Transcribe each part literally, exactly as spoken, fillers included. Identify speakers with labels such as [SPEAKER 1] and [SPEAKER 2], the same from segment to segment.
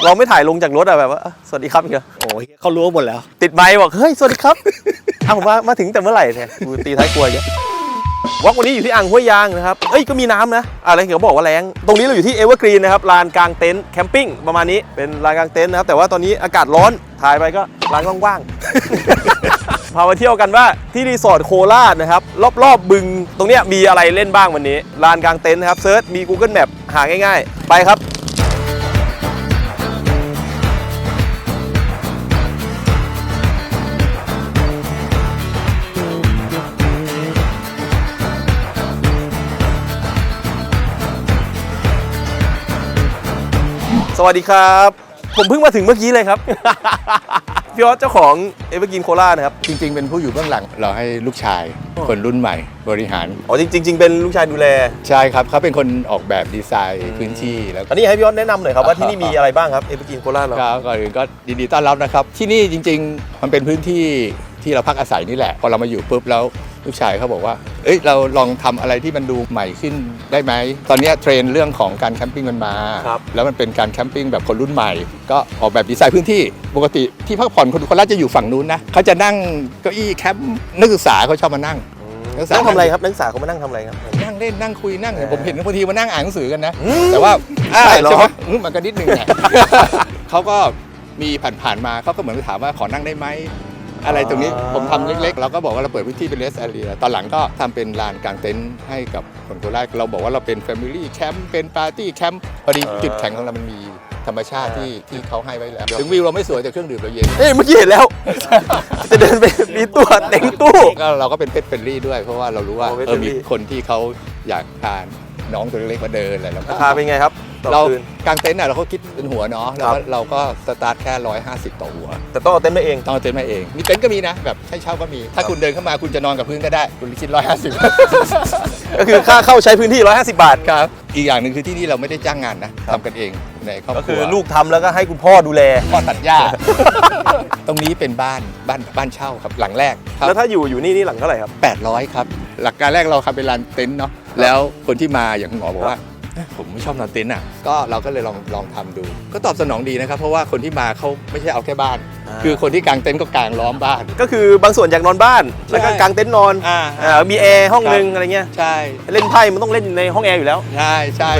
[SPEAKER 1] เราไม่ถ่ายลงจากรถอะแบบว่าสวัสดีครับอย่างเงี้ย
[SPEAKER 2] โอ้ยเขารู้หมดแล้ว
[SPEAKER 1] ติดไมค์บอกเฮ้ยสวัสดีครับเอามามาถึงแต่เมื่อไหร่เนี่ยกูตีท้ายครัวเยอะวอล์กวันนี้อยู่ที่อ่างห้วยยางนะครับเอ้ยก็มีน้ำนะอะไรเขาบอกว่าแรงตรงนี้เราอยู่ที่เอเวอร์กรีนนะครับลานกลางเต็นท์แคมปิ้งประมาณนี้เป็นลานกลางเต็นท์นะครับแต่ว่าตอนนี้อากาศร้อนถ่ายไปก็ลานว่างๆ พามาเที่ยวกันว่าที่รีสอร์ทโคราชนะครับรอบๆบึงตรงเนี้ยมีอะไรเล่นบ้างวันนี้ลานกลางเต็นท์นะครับเซิร์ชมี Google Map หาง่ายๆไปครับสวัสดีครับผมเพิ่งมาถึงเมื่อกี้เลยครับ พี่ออสเจ้าของเอเวอร์กรีนโคราชนะครับ
[SPEAKER 3] จริงๆเป็นผู้อยู่เบื้องหลังเราให้ลูกชายคนรุ่นใหม่บริหาร
[SPEAKER 1] อ๋อจริงๆเป็นลูกชายดูแล
[SPEAKER 3] ใช่ครับเขาเป็นคนออกแบบดีไซน์พื้นที่แล้ว
[SPEAKER 1] อันนี้ให้พี่ออสแนะนำหน่อยครับว่าที่นี่มีอะไรบ้างครับเอเวอร์กรีนโคราชเรา
[SPEAKER 3] ครับก่อนอื่นก็ยินดีต้อนรับนะครับที่นี่จริงๆมันเป็นพื้นที่ที่เราพักอาศัยนี่แหละพอเรามาอยู่ปุ๊บแล้วลูกชายเขาบอกว่าเอ้ยเราลองทำอะไรที่มันดูใหม่ขึ้นได้ไหมตอนนี้เทรนด์เรื่องของการแคมปิ้งมันมาแล้วมันเป็นการแคมปิ้งแบบคนรุ่นใหม่ก็ออกแบบดีไซน์พื้นที่ปกติที่พักผ่อนคนคนละจะอยู่ฝั่งนู้นนะเขาจะนั่งเก้าอี้แคมป์นักศึกษาเขาชอบมานั่ง
[SPEAKER 1] นั่งทำอะไรครับนักศึกษาเขามานั่งทำอะไรครับ
[SPEAKER 3] นั่งเล่นนั่งคุยนั่งผมเห็นบางทีมานั่งอ่านหนังสือกันนะแต่ว่าใช่หรอมันก็นิดนึงแหละเขาก็มีผ่านๆมาเขาก็เหมือนถามว่าขอนั่งได้ไหมอะไรตรงนี้ผมทำเล็กๆเราก็บอกว่าเราเปิดพื้นที่เป็นเลสแอเรียตอนหลังก็ทำเป็นลานกลางเต็นท์ให้กับคนโคราชเราบอกว่าเราเป็นแฟมิลี่แคมป์เป็นปาร์ตี้แคมป์พอดีจุดแข็งของเรามันมีธรรมชาติที่ที่เขาให้ไว้แล้วถึงวิวเราไม่สวยแต่เครื่องดื่มเราเย็น
[SPEAKER 1] เอ้ยเมื่อกี้เห็นแล้วจะเดินไปมีตัวเต็งตู้
[SPEAKER 3] ก็เราก็เป็นเพชรเฟรนลี่ด้วยเพราะว่าเรารู้ว่าเออมีคนที่เขาอยากทานน้องตัวเล็กๆมาเดินอะไรแล้ว
[SPEAKER 1] ราคาเป็นไงครับ
[SPEAKER 3] เรากางเต็นท์น่ะเราก็คิดเป็นหัวเนาะแล้วเราก็สตาร์ทแค่หนึ่งร้อยห้าสิบต่อหัว
[SPEAKER 1] แต่ต้องเอาเต็นท์มาเอง
[SPEAKER 3] ต้องเอาเต็นท์มาเองมีเต็นท์ก็มีนะแบบให้เช่าก็มีถ้าคุณเดินเข้ามาคุณจะนอนกับพื้นก็ได้คุณคิดหนึ่งร้อยห้าสิบ
[SPEAKER 1] ก็คือค่าเข้าใช้พื้นที่หนึ่งร้อยห้าสิบบาท
[SPEAKER 3] ครับอีกอย่างหนึ่งคือที่นี่เราไม่ได้จ้างงานนะทำกันเองในครอบครัว
[SPEAKER 1] ก็คือลูกทำแล้วก็ให้คุณพ่อดูแล
[SPEAKER 3] พ่อตัดหญ้าตรงนี้เป็นบ้านบ้านบ้านเช่าครับหลังแรก
[SPEAKER 1] แล้วถ้าอยู่อยู่นี่นี่หลังเท่าไหร่ครับ
[SPEAKER 3] แปดร้อยครับหลักการแรกเราทำเป็นลานเต็นท์เนาะแล้วคนที่มาอย่างหมอบอกว่าผมไม่ชอบนอนเต็นท์อ่ะก็เราก็เลยลองลองทำดูก็ตอบสนองดีนะครับเพราะว่าคนที่มาเขาไม่ใช่เอาแค่บ้านคือคนที่กางเต็นท์ก็กางล้อมบ้าน
[SPEAKER 1] ก็คือบางส่วนอยากนอนบ้านแล้วก็กางเต็นท์นอนอ่ามีแอร์ห้องนึงอะไรเงี้ย
[SPEAKER 3] ใช่
[SPEAKER 1] เล่นไพ่มันต้องเล่นในห้องแอร์อยู่แล้ว
[SPEAKER 3] ใช่ใช่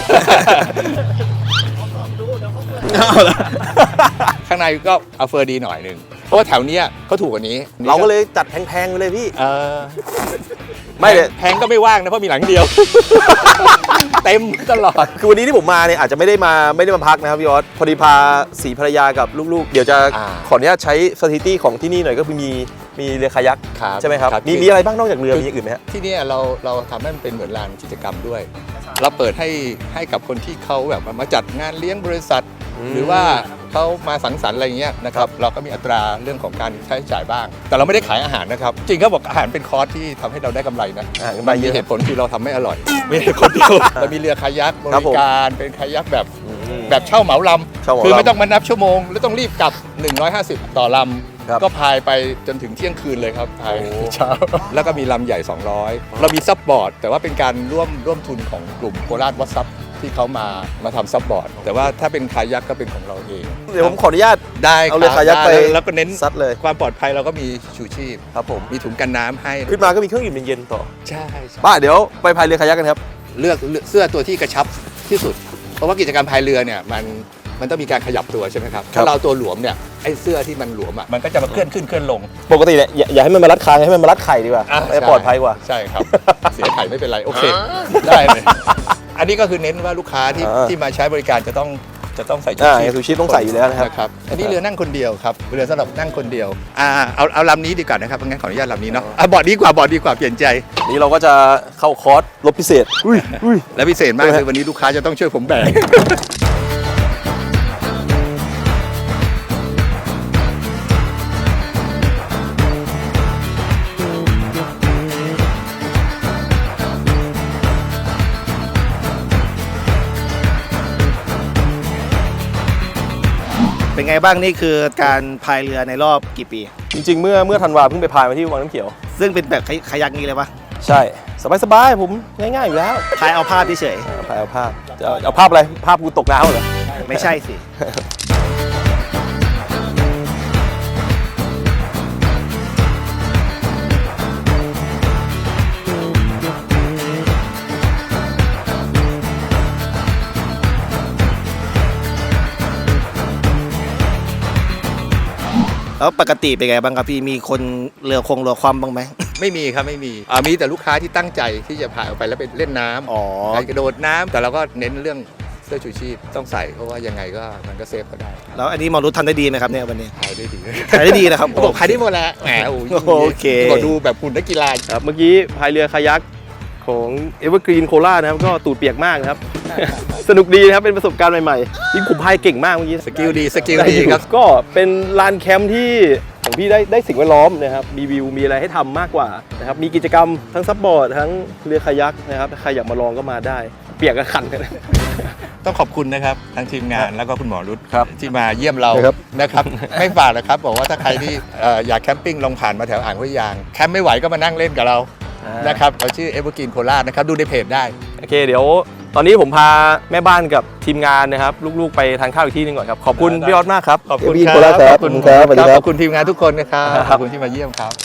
[SPEAKER 3] ข้างในก็เอาเฟอร์ดีหน่อยนึงเพราะว่าแถวนี้เขาถูกกว่านี้
[SPEAKER 1] เราก็เลยจัดแพงๆไปเลยพี่
[SPEAKER 3] เออ
[SPEAKER 1] ไม่เลย
[SPEAKER 3] แพงก็ไม่ว่างนะเพราะมีหลังเดียวเต็มตลอด
[SPEAKER 1] คือวันนี้ที่ผมมาเนี่ยอาจจะไม่ได้มาไม่ได้มาพักนะครับพี่ออสพอดีพาสีภรรยากับลูกๆเดี๋ยวจะขออนุญาตใช้ฟาซิลิตี้ของที่นี่หน่อยก็คือมีมีเรือคายักใช่ไหมครับมีมีอะไรบ้างนอกจากเรือมีอย่างอื่นไหมฮะ
[SPEAKER 3] ที่นี่เราเราทำให้มันเป็นเหมือนลานกิจกรรมด้วยเราเปิดให้ให้กับคนที่เขาแบบมาจัดงานเลี้ยงบริษัทหรือว่าเขามาสังสรรค์อะไรเงี้ยนะครับเราก็มีอัตราเรื่องของการใช้จ่ายบ้างแต่เราไม่ได้ขายอาหารนะครับจริงเขาบอกอาหารเป็นคอร์สที่ทำให้เราได้กำไรนะมันมีเหตุผลคือเราทำไม่อร่อยไม่ใช่คนเดียวเรามีเรือคายักบริการเป็นคายักแบบแบบเช่าเหมาลำคือไม่ต้องมานับชั่วโมงแล้วต้องรีบกลับหนึ่งร้อยห้าสิบต่อลำก็พายไปจนถึงเที่ยงคืนเลยครับพายเช้าแล้วก็มีลำใหญ่สองร้อยเรามีซับบอร์ดแต่ว่าเป็นการร่วมร่วมทุนของกลุ่มโคราชวัดซับที่เขามามาทำซับบอร์ดแต่ว่าถ้าเป็นคายักก็เป็นของเราเอง
[SPEAKER 1] เดี๋ยวผมขออนุญาต
[SPEAKER 3] ได้
[SPEAKER 1] เอาเลยคายักไป
[SPEAKER 3] แล้วก็เน้น
[SPEAKER 1] ซัดเลย
[SPEAKER 3] ความปลอดภัยเราก็มีชูชีพ
[SPEAKER 1] ครับผม
[SPEAKER 3] มีถุงกันน้ำให้
[SPEAKER 1] ขึ้นมาก็มีเครื่องดื่มเย็นๆต่อ
[SPEAKER 3] ใช่
[SPEAKER 1] บ้าเดี๋ยวไปพายเรือคายักกันครับ
[SPEAKER 3] เลือกเสื้อตัวที่กระชับที่สุดเพราะว่ากิจกรรมพายเรือเนี่ยมันมันต้องมีการขยับตัวใช่ไหมครับถ้าเราตัวหลวมเนี่ยไอ้เสื้อที่มันหลวมอ่ะมันก็จะมาเคลื่อนขึ้นเคลื่อนลง
[SPEAKER 1] ปกติเนี่ยอย่าให้มันมารัดคางให้มันมารัดไข่ดีกว่าให้ปลอดภัยกว่า
[SPEAKER 3] ใช่ครับเสียไข่ไม่เป็นไรโอเคได้เลยอันนี้ก็คือเน้นว่าลูกค้าที่ที่มาใช้บริการจะต้องจะต้องใส่ชูชีพ
[SPEAKER 1] ชูชีพต้องใส่อยู่แล้วนะครับ
[SPEAKER 3] อันนี้เรือนั่งคนเดียวครับเรือสำหรับนั่งคนเดียวอ่าเอาเอาลำนี้ดีกว่านะครับงั้นขออนุญาตลำนี้เนาะอ่ะบอร์ดดีกว่าบอร์ดดีกว่าเปลี่ยนใจ
[SPEAKER 1] นี้เราก็จะเข้าคอร์สลดพิเศษอุ้ยอุ้ย
[SPEAKER 3] และพิเศษมากคือวันนี้ลูกค้าจะต้องช่วยผมแบก
[SPEAKER 2] เป็นไงบ้างนี่คือการพายเรือในรอบกี่ปี
[SPEAKER 1] จริงๆเมื่อเมื่อธันวาเพิ่งไปพายมาที่วังน้ำเขียว
[SPEAKER 2] ซึ่งเป็นแบบคายักนี้เลยปะ
[SPEAKER 1] ใช่สบายๆผมง่ายๆอยู่แล้ว
[SPEAKER 2] พายเอาภาพเฉย
[SPEAKER 1] พายเอาภาพจะเอาภาพอะไรภาพกูตกน้ำเหรอ
[SPEAKER 2] ไม่ใช่สิ แล้วปกติเป็นไงบ้างครับพี่มีคนเรือคงเรือคว่ำบ้างไหม
[SPEAKER 3] ไม่มีครับไม่มีอ่ามีแต่ลูกค้าที่ตั้งใจที่จะพาออกไปแล้วไปเล่นน้ำ
[SPEAKER 2] อ๋อ
[SPEAKER 3] ไปกระโดดน้ำแต่เราก็เน้นเรื่องเสื้อชูชีพต้องใส่เพราะว่ายังไงก็มันก็เซฟก็ได้
[SPEAKER 2] แล้วอันนี้หมอรุททำได้ดีไหมครับเนี่ยวันนี้
[SPEAKER 3] ถ่ายได้ดี
[SPEAKER 2] ถ่ายได้ดีนะครับ
[SPEAKER 3] เขาบอกถ่ายได้หมดแล้วแหมโอ้ย
[SPEAKER 2] โอเค
[SPEAKER 3] บอกดูแบบหุ่นนักกีฬา
[SPEAKER 1] ครับเมื่อกี้พายเรือคายักของ Evergreen Cola นะครับก็ตูดเปียกมากนะครับ สนุกดีนะครับเป็นประสบการณ์ใหม่ๆยิ่งผมพายเก่งมากเมื่อกี้
[SPEAKER 3] สกิลดีสกิล
[SPEAKER 1] ได้
[SPEAKER 3] ดี
[SPEAKER 1] อยู่
[SPEAKER 3] ครับ
[SPEAKER 1] ก็เป็นลานแคมป์ที่ของพี่ได้ได้สิ่งแวดล้อมนะครับมีวิวมีอะไรให้ทำมากกว่านะครับมีกิจกรรมทั้งซับบอร์ดทั้งเรือคายักนะครับถ้าใครอยากมาลองก็มาได้ เปียกก็ขันกัน
[SPEAKER 3] ต้องขอบคุณนะครับทั้งทีมงานแล้วก็คุณหมอรุต
[SPEAKER 1] ครับ
[SPEAKER 3] ที่มาเยี่ยมเรา
[SPEAKER 1] ครับ
[SPEAKER 3] นะครับ ไม่ฝากนะครับบอกว่าถ้าใครที่เอ่ออยากแคมปิ้งลองผ่านมาแถวอ่างห้วยยางแคมป์ไม่ไหวก็มานั่งเล่นกับเรานะครับเราชื่อ Evergreen Cola นะครับดูในเพจได้
[SPEAKER 1] โอเคเดี๋ยวตอนนี้ผมพาแม่บ้านกับทีมงานนะครับลูกๆไปทานข้าวอีกที่หนึงก่อนครับขอบคุณพี่ออสมากครับ
[SPEAKER 3] ขอบคุณ
[SPEAKER 1] พี่
[SPEAKER 3] ค
[SPEAKER 1] โค
[SPEAKER 3] รั
[SPEAKER 1] รา
[SPEAKER 3] บ
[SPEAKER 1] ชครับ
[SPEAKER 3] ขอบคุณ
[SPEAKER 1] ครับสวัสดีครับ
[SPEAKER 3] ขอบคุณทีมงานทุกคนนะครับ
[SPEAKER 1] ครับ
[SPEAKER 3] ขอบคุณที่มาเยี่ยมครับ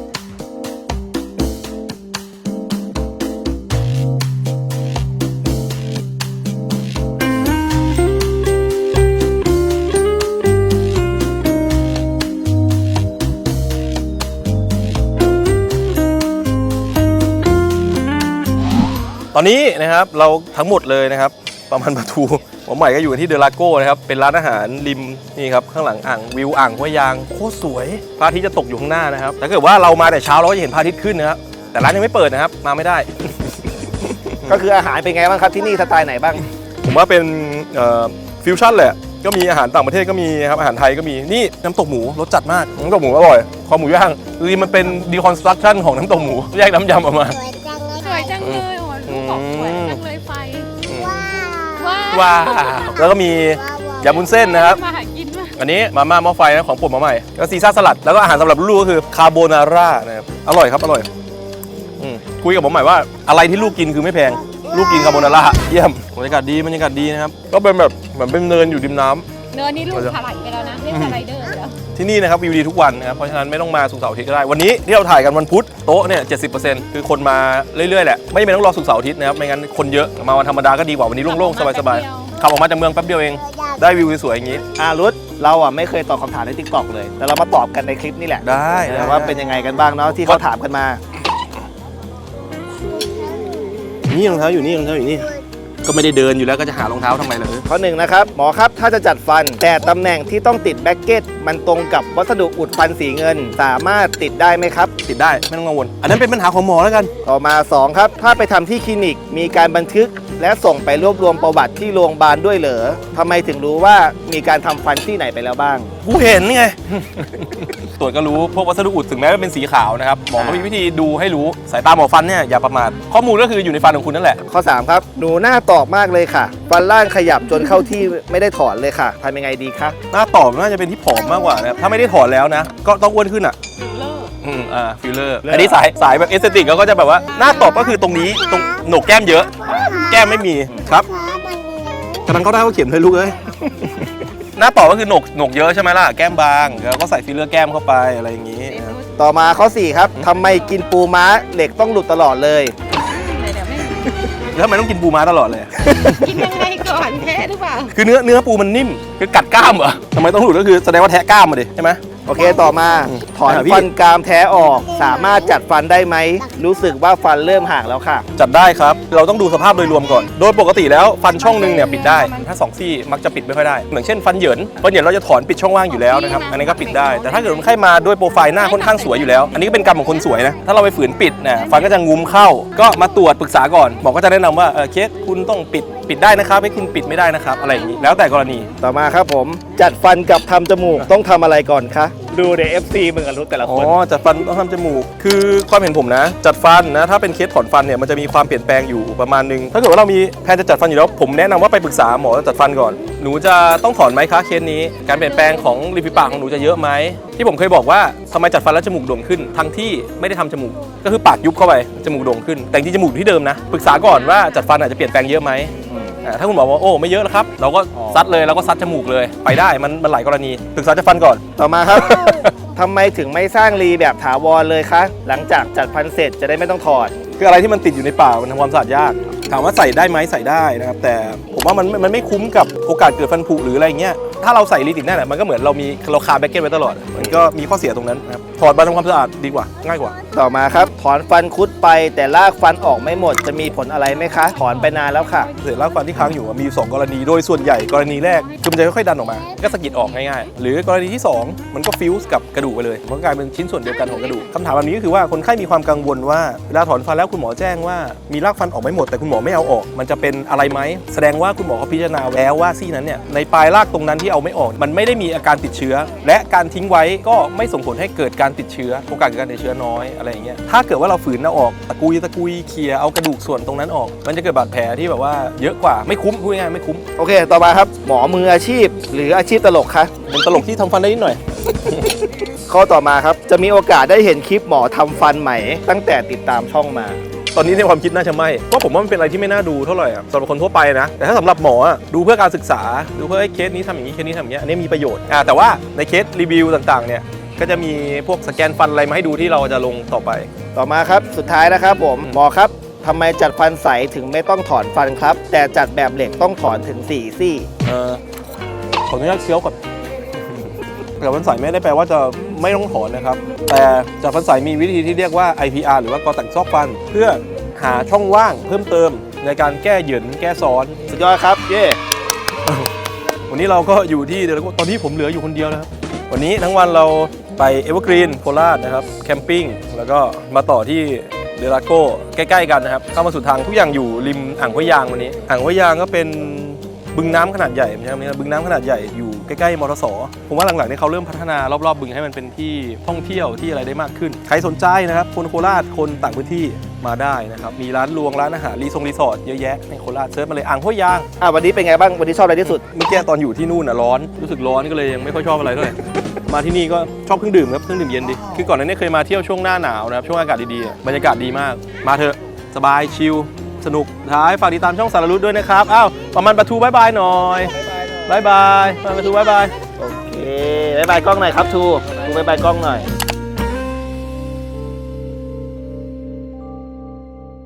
[SPEAKER 1] ตอนนี้นะครับเราทั้งหมดเลยนะครับประมาณประตูหัวใหม่ก็อยู่กันที่เดลาโก้นะครับเป็นร้านอาหารริมนี่ครับข้างหลังอ่างวิวอ่างห้วยยางโคตรสวยพระอาทิตย์จะตกอยู่ข้างหน้านะครับถ้าเกิดว่าเรามาแต่เช้าเราก็จะเห็นพระอาทิตย์ขึ้นนะครับแต่ร้านยังไม่เปิดนะครับมาไม่ได้
[SPEAKER 2] ก็คืออาหารเป็นไงบ้างครับที่นี่สไตล์ไหนบ้าง
[SPEAKER 1] ผมว่าเป็นฟิวชั่นแหละก็มีอาหารต่างประเทศก็มีครับอาหารไทยก็มีนี่น้ำตกหมูรสจัดมากน้ำตกหมูอร่อยคอหมูย่างคือมันเป็นดีคอนสตรักชั่นของน้ำตกหมูแยกน้ำยำออกมา
[SPEAKER 4] สวยจังเลยโอ้โหลูกบอกสวยจังเลยไฟ ว้าว
[SPEAKER 1] ว้าวแล้วก็มียำวุ้นเส้นนะครับ
[SPEAKER 4] มาหากินมาก
[SPEAKER 1] อันนี้มาม่าหม้อไฟนะของผมมาใหม่ก็ซีซ่าสลัดแล้วก็อาหารสำหรับลูกก็คือคาโบนาร่านะครับอร่อยครับอร่อยอืมคุยกับผมใหม่ว่าอะไรที่ลูกกินคือไม่แพงลูกกินคาโบนาร่าเยี่ยมบรรยากาศดีบรรยากาศดีนะครับก็เป็นแบบเหมือนเป็นเนินอยู่ริมน้ำ
[SPEAKER 4] เนินนี่ลูกถลายไปแล้วนะเรียกสไลเดอร์ไปแล้ว
[SPEAKER 1] ที่นี่นะครับวิวดีทุกวันนะครับเพราะฉะนั้นไม่ต้องมาศุกร์เสาร์อาทิตย์ก็ได้วันนี้ที่เราถ่ายกันวันพุธโต๊ะเนี่ยเจ็ดสิบเปอร์เซ็นต์คือคนมาเรื่อยๆแหละไม่จำเป็นต้องรอศุกร์เสาร์อาทิตย์นะครับไม่งั้นคนเยอะมาวันธรรมดาก็ดีกว่าวันนี้โล่งๆสบายๆขับออกมาจากเมืองแป๊บเดียวเองได้วิวสวยๆอย่างนี้
[SPEAKER 2] อารุธเราอ่ะไม่เคยตอบคำถามใน ทิกตอก เลย แต่เรามาตอบกันในคลิปนี่แหละ
[SPEAKER 1] ได้
[SPEAKER 2] นะว่าเป็นยังไงกันบ้างเนาะที่เขาถามกันมา
[SPEAKER 1] นี่รองเท้าอยู่นี่รองเท้าอยู่นี่ก็ไม่ได้เดินอยู่แล้วก็จะหารองเท้าทำไมล่ะ
[SPEAKER 2] ข้อหนึ่งนะครับหมอครับถ้าจะจัดฟัน แต่ตำแหน่งที่ต้องติดแบ็กเก็ตมันตรงกับวัสดุอุดฟันสีเงิน สามารถติดได้ไหมครับ
[SPEAKER 1] ติดได้ไม่ต้องกังวลอันนั้นเป็นปัญหาของหมอแล้วกัน
[SPEAKER 2] ต่อมาสองครับถ้าไปทำที่คลินิกมีการบันทึก และส่งไปรวบรวมประวัติที่โรงพยาบาลด้วยเหรอทำไมถึงรู้ว่ามีการทำฟันที่ไหนไปแล้วบ้าง
[SPEAKER 1] กูเห็นไง ตรวจก็รู้พวกวัสดุอุดถึงแม้ว่าเป็นสีขาวนะครับหมอก็มีวิธีดูให้รู้สายตาหมอฟันเนี่ยอย่าประมาทข้อมูลก็คืออยู่ในฟันของคุณนั่นแหละ
[SPEAKER 2] ข้อสามครับหนูหน้าตอบมากเลยค่ะ ฟันล่างขยับจนเข้าที่ไม่ได้ถอนเลยค่ะทำยังไงดีคะ
[SPEAKER 1] หน้าตอบน่าจะเป็นที่ผอมมากกว่านะครับถ้าไม่ได้ถอนแล้วนะ ก็ต้องอ้วนขึ้นอ่ะ
[SPEAKER 4] ฟิลเลอร์
[SPEAKER 1] อืมอ่าฟิลเลอร์อันนี้สายสายแบบเอสเตติกก็จะแบบว่าหน้าตอบก็คือตรงนี้ตรงโหนกแก้มเยอะ แก้มไม่มีครับกำลังเข้าได้ก็เขียนเลยลูกเอ้ย หน้าตอบก็คือโหนกโหนกเยอะใช่ไหมล่ะแก้มบางแล้วก็ใส่ฟิลเลอร์แก้มเข้าไปอะไรอย่างนี้นะครับ
[SPEAKER 2] ต่อมาข้อสี่ครับทำไมกินปูม้าเหล็กต้องหลุดตลอดเลย
[SPEAKER 4] เลยเดี๋ยวไม่
[SPEAKER 1] แล้วทำไมต้องกินปูม้าตลอดเลย
[SPEAKER 4] กินยังไงก่อนแพ้หรือเปล่า
[SPEAKER 1] คือเนื้อเนื้อปูมันนิ่มคือกัดกล้ามเหรอทำไมต้องหลุดก็คือแสดงว่าแทะกล้ามมาดิใช่ไหม
[SPEAKER 2] โอเคต่อมาถอน
[SPEAKER 1] อ่าพี่
[SPEAKER 2] ฟันกรามแท้ออก สามารถจัดฟันได้ไหมรู้สึกว่าฟันเริ่มห่างแล้วค่ะ
[SPEAKER 1] จัดได้ครับเราต้องดูสภาพโดยรวมก่อน โดยปกติแล้วฟันช่องหนึงเนี่ยปิดได้ถ้าสองซี่มักจะปิดไม่ค่อยได้เหมือนเช่นฟันเหยินฟันเหยินเราจะถอนปิดช่องว่างอยู่แล้วนะครับอันนี้ก็ปิดได้แต่ถ้าเกิดคนไข้มาด้วยโปรไฟล์หน้าค่อนข้างสวยอยู่แล้วอันนี้ก็เป็นกรรมของคนสวยนะถ้าเราไปฝืนปิดเนี่ยฟันก็จะงุ้มเข้า ก็มาตรวจปรึกษาก่อนหมอก็จะแนะนำว่าเออเคสคุณต้องปิดปิดได้นะครับให้คุณปิดไม่ได้นะครับอะไรอย่างนี้แล้วแต่กรณี
[SPEAKER 2] ต่อมาครับผม จัดฟันกับทำจมูกต้องทำอะไรก่อนคะดูใน เอฟ ซี มึงกับรู้แต่ละ
[SPEAKER 1] อ๋
[SPEAKER 2] คน
[SPEAKER 1] อจัดฟันต้องทำจมูกคือความเห็นผมนะ จัดฟันนะถ้าเป็นเคสถอนฟันเนี่ยมันจะมีความเปลี่ยนแปลงอยู่ประมาณนึงถ้าเกิดว่าเรามีแผนจะจัดฟันอยู่แล้วผมแนะนำว่าไปปรึกษาหมอจัดฟันก่อนหนูจะต้องถอนไหมคะเคสนี้การเปลี่ยนแปลงของริมฝีปากของหนูจะเยอะไหมที่ผมเคยบอกว่าทำไมจัดฟันแล้วจมูกโด่งขึ้นทั้งที่ไม่ได้ทำจมูกก็คือปากยุบเข้าไปจมูกโด่งขึ้นแต่จริงๆจมูกอยู่ที่เดิมนะปรึกษาก่อนว่าจัดฟันอาจจะเปลี่ยนแปลงเยอะไหมอ่าถ้าคุณหมอบอกโอ้ไม่เยอะแล้วครับเราก็
[SPEAKER 2] อ๋อ
[SPEAKER 1] ซัดเลยเราก็ซัดจมูกเลยไปได้มันมันหลายกรณีปรึกษาจะฟันก่อน
[SPEAKER 2] ต่อมาครับ ทำไมถึงไม่สร้างรีแบบถาวรเลยคะ หลังจากจัดฟันเสร็จจะได้ไม่ต้องถอด
[SPEAKER 1] คืออะไรที่มันติดอยู่ในปากมันทำความสะอาดยากถามว่าใส่ได้ไหมใส่ได้นะครับแต่ผมว่ามันมันไม่คุ้มกับโอกาสเกิดฟันผุหรืออะไรเงี้ยถ้าเราใส่รีติดแน่นมันก็เหมือนเรามีเราคาแบ็กเก็ตไว้ตลอดมันก็มีข้อเสียตรงนั้นนะครับถอดมาทำความสะอาดดีกว่าง่ายกว่า
[SPEAKER 2] ต่อมาครับถอนฟันคุดไปแต่ลากฟันออกไม่หมดจะมีผลอะไรไหมคะ ถอนไปนานแล้วค่ะ
[SPEAKER 1] เศษรากฟันที่ค้างอยู่มีอยู่สองกรณีโดยส่วนใหญ่กรณีแรกคือมันจะค่อยๆดันออกมาก็สะกิดออกง่ายๆหรือกรณีที่สองมันก็ฟิวส์กับกระดูกไปเลยมันก็กลายเป็นชิ้นส่วนเดียวกันของกระดูกคำถามแบบนี้ก็คือว่าคนไข้มีความกังวลว่าเวลาถอนฟันแล้วคุณหมอแจ้งว่ามีรากฟันออกไม่หมดแต่คุณหมอไม่เอาออกมันจะเป็นอะไรไหมแสดงว่าคุณหมอเขาพิจารณาแล้วว่าซี่นั้นเนี่ยในปลายรากตรงนั้นที่เอาไม่ออกมันไม่ได้มีอาการติดเชื้อและการทิ้งไว้ก็ไม่ส่งผลให้เกิดการติดเชื้อโอกาสเกิดการติดเชื้อน้อยอะไรอย่างเงี้ยถ้าเกิดว่าเราฝืนเอาออกตะกุยตะกุยเคลียร์เอากระดูกส่วนตรงนั้นออกมันจะเกิดบาดแผลที่แบบว่าเยอะกว่าไม่คุ้มพูดง่ายๆไม่คุ้ม
[SPEAKER 2] โอเค ต่อมาครับ หมอมืออาชีพ หรืออาชีพตลกคะ
[SPEAKER 1] เป็นตลกที่ทำฟันได้นิดหน่อย
[SPEAKER 2] ข้อต่อมาครับ จะมีโอกาสได้เห็นคลิปหมอทำฟันใหม่ ตั้งแต่ติดตามช่องมา
[SPEAKER 1] ตอนนี้ในความคิดน่าจะไม่เพราะผมว่ามันเป็นอะไรที่ไม่น่าดูเท่าไหร่อะสำหรับคนทั่วไปนะแต่ถ้าสำหรับหมออะดูเพื่อการศึกษาดูเพื่อให้เคสนี้ทำอย่างนี้เคสนี้ทำอย่างนี้อันนี้มีประโยชน์อ่าแต่ว่าในเคสรีวิวต่างๆเนี่ยก็จะมีพวกสแกนฟันอะไรมาให้ดูที่เราจะลงต่อไป
[SPEAKER 2] ต่อมาครับ สุดท้ายนะครับผม หมอครับทำไมจัดฟันใสถึงไม่ต้องถอนฟันครับ แต่จัดแบบเหล็กต้องถอนถึงสี่ซี่
[SPEAKER 1] เอ่อขออนุญาตเคี้ยวก่อน แต่ฟันใสไม่ได้แปลว่าจะไม่ต้องถอนนะครับแต่จากฟันใสมีวิธีที่เรียกว่า ไอ พี อาร์ หรือว่ากอแต่งซอกฟันเพื่อหาช่องว่างเพิ่มเติมในการแก้เหยินแก้ซ้อน
[SPEAKER 2] สุดยอดครับ เย่
[SPEAKER 1] วันนี้เราก็อยู่ที่เดลโก้ตอนนี้ผมเหลืออยู่คนเดียวนะครับ วันนี้ทั้งวันเราไปเอเวอร์กรีนโคราชนะครับแคมปิ้งแล้วก็มาต่อที่เดลโก้ใกล้ๆกันนะครับเข้ามาสู่ทางทุกอย่างอยู่ริมอ่างห้วยยางวันนี้อ่างห้วยยางก็เป็นบึงน้ำขนาดใหญ่ใช่ไหมครับบึงน้ำขนาดใหญ่อยู่ใกล้ๆมอเตอร์สผมว่าหลังๆนี้เขาเริ่มพัฒนารอบๆบึงให้มันเป็นที่ท่องเที่ยวที่อะไรได้มากขึ้นใครสนใจนะครับคนโคราชคนต่างพื้นที่มาได้นะครับมีร้านรวงร้านอาหารรีสอร์ทรีสอร์ทเยอะแยะในโคราชเซิร์ชมาเลยอ่างห้วยยาง
[SPEAKER 2] อ่ะวันนี้เป็นไงบ้าง วันนี้ชอบอะไรที่สุด
[SPEAKER 1] เมื่อกี้ตอนอยู่ที่นู่นอ่ะร้อนรู้สึกร้อนก็เลยยังไม่ค่อยชอบอะไรเท่าไหร่ มาที่นี่ก็ชอบเครื่องดื่มครับเครื่องดื่มเย็นดีคือก่อนหน้านี้เคยมาเที่ยวช่วงหน้าหนาวนะครับช่วงอากาศดีๆอ่ะบรรยากาศดีมากมาเถอะสบายชิลสนุกท้ายฝากติดตามช่องสารรุตด้วยนะครับอ้าวประมาณประตูบายบายหน่อยบายบายประมาณประตูบายบาย
[SPEAKER 2] โอเคบายบายกล้องหน่อยครับทูทูบายบายกล้องหน่อย